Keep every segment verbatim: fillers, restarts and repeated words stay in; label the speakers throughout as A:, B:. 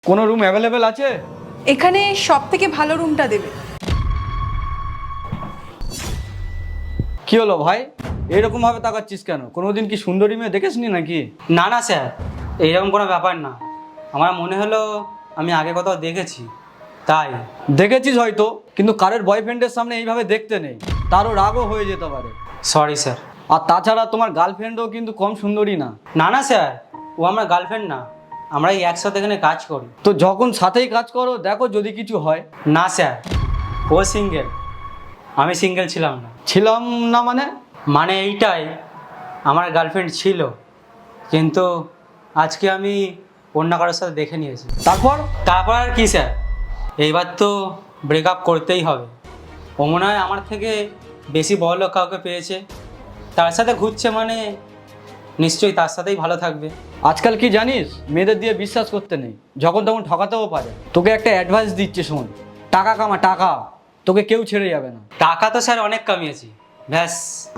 A: কোনো room available আছে?
B: এখানে সব থেকে ভালো রুমটা দেবে।
A: কি হলো ভাই, এরকম ভাবে তাকাচ্ছিস কেন? কোনোদিন কি সুন্দরী মেয়ে দেখেসনি নাকি?
C: না না স্যার, এইরকম কোনো ব্যাপার না। আমার মনে হলো আমি আগে কোথাও দেখেছি, তাই।
A: দেখেছিস হয়তো, কিন্তু কারোর বয়ফ্রেন্ডের সামনে এইভাবে দেখতে নেই, তারও রাগও হয়ে যেতে পারে।
C: Sorry sir.
A: আর তাছাড়া তোমার গার্লফ্রেন্ডও কিন্তু কম সুন্দরী না।
C: না না স্যার, ও আমার গার্লফ্রেন্ড না, আমরা এই একসাথে এখানে কাজ করি।
A: তো যখন সাথেই কাজ করো, দেখো যদি কিছু হয়।
C: না স্যার, ও সিঙ্গেল, আমি সিঙ্গেল ছিলাম না।
A: ছিলাম না মানে?
C: মানে এইটাই, আমার গার্লফ্রেন্ড ছিল, কিন্তু আজকে আমি অন্য কারোর সাথে দেখে নিয়েছি।
A: তারপর?
C: তারপর আর কি স্যার, এইবার তো ব্রেকআপ করতেই হবে। ও মনে হয় আমার থেকে বেশি বড়লোক কাউকে পেয়েছে, তার সাথে ঘুরছে, মানে নিশ্চয়ই তার সাথেই ভালো থাকবে।
A: আজকাল কি জানিস, মেয়েদের দিয়ে বিশ্বাস করতে নেই, যখন তখন ঠকাতেও পারে। তোকে একটা অ্যাডভাইস দিচ্ছে, শোন, টাকা কামা, টাকা, তোকে কেউ ছেড়ে যাবে না।
C: টাকা তো স্যার অনেক কামিয়েছি, ব্যাস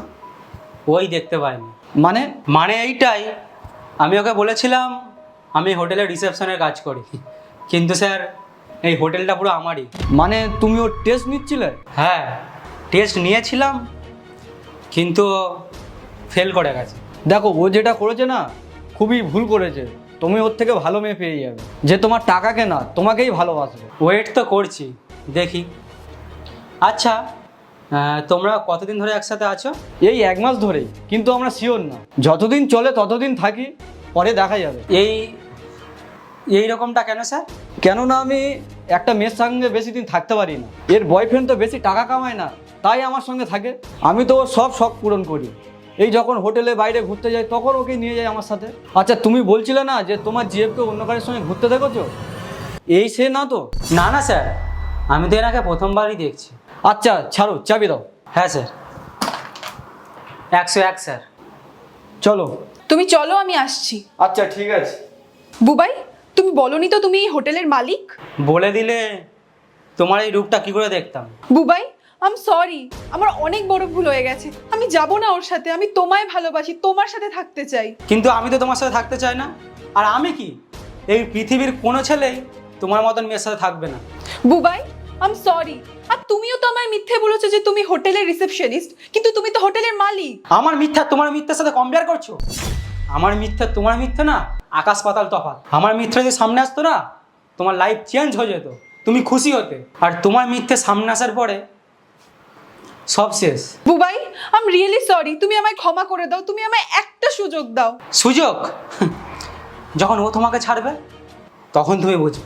C: ওই দেখতে পাইনি।
A: মানে?
C: মানে এইটাই, আমি ওকে বলেছিলাম আমি হোটেলের রিসেপশনের কাজ করি, কিন্তু স্যার এই হোটেলটা পুরো আমারই।
A: মানে তুমি ওর টেস্ট নিচ্ছিলে?
C: হ্যাঁ, টেস্ট নিয়েছিলাম, কিন্তু ফেল করে গেছে।
A: দেখো, ও যেটা করেছে না, খুবই ভুল করেছে। তুমি ওর থেকে ভালো মেয়ে পেয়ে যাবে, যে তোমার টাকাকে না, তোমাকেই ভালোবাসবে।
C: ওয়েট তো করছি, দেখি। আচ্ছা, আহ, তোমরা কতদিন ধরে একসাথে আছো?
A: এই এক মাস ধরেই, কিন্তু আমরা শিওর না। যতদিন চলে ততদিন থাকি, পরে দেখা যাবে।
C: এই এই রকমটা কেন স্যার?
A: কেননা আমি একটা মেয়ের সঙ্গে বেশি দিন থাকতে পারি না। এর বয়ফ্রেন্ড তো বেশি টাকা কামায় না, তাই আমার সঙ্গে থাকে। আমি তো ওর সব শখ পূরণ করি। এই যখন হোটেলে বাইরে ঘুরতে যাই, তখন ওকে নিয়ে যাই আমার সাথে। আচ্ছা, তুমি বলছিলে না যে তোমার জিএফকে অন্য কারোর সঙ্গে ঘুরতে দেখেছো? এই সে না তো?
C: না না স্যার, আমি তো এনাকে প্রথমবারই দেখছি।
A: আচ্ছা ছাড়ো, চাবি দাও।
C: হ্যাঁ স্যার, একশো এক স্যার।
A: চলো।
B: তুমি চলো, আমি আসছি।
A: আচ্ছা ঠিক আছে।
B: বুবাই, তুমি বলনি তো তুমি এই হোটেলের মালিক?
C: বলে দিলে তোমার এই রূপটা কি করে দেখতাম।
B: বুবাই, আম সরি, আমার অনেক বড় ভুল হয়ে গেছে। আমি যাব না ওর সাথে, আমি তোমায় ভালোবাসি, তোমার সাথে থাকতে চাই।
C: কিন্তু আমি তো তোমার সাথে থাকতে চাই না। আর আমি কি, এই পৃথিবীর কোনো ছেলেই তোমার মতন মেয়ের সাথে থাকবে না।
B: বুবাই, আম সরি। আর তুমিও তো আমায় মিথ্যে বলেছো যে তুমি হোটেলের রিসেপশনিস্ট, কিন্তু তুমি তো হোটেলের মালিক।
C: আমার মিথ্যা তোমার মিথ্যার সাথে কম্পেয়ার করছো? আমার মিথ্যা তোমার মিথ্যা না, আকাশ পাতাল তফাৎ। আমার মিথ্যা যদি সামনে আসতো না, তোমার লাইফ চেঞ্জ হয়ে যেত, তুমি খুশি হতে। আর তোমার মিথ্যে সামনে আসার পরে সব শেষ।
B: বুবাই, আম রিয়েলি সরি, তুমি আমায় ক্ষমা করে দাও, তুমি আমায় একটা সুযোগ দাও।
C: সুযোগ? যখন ও তোমাকে ছাড়বে, তখন তুমি বুঝবে।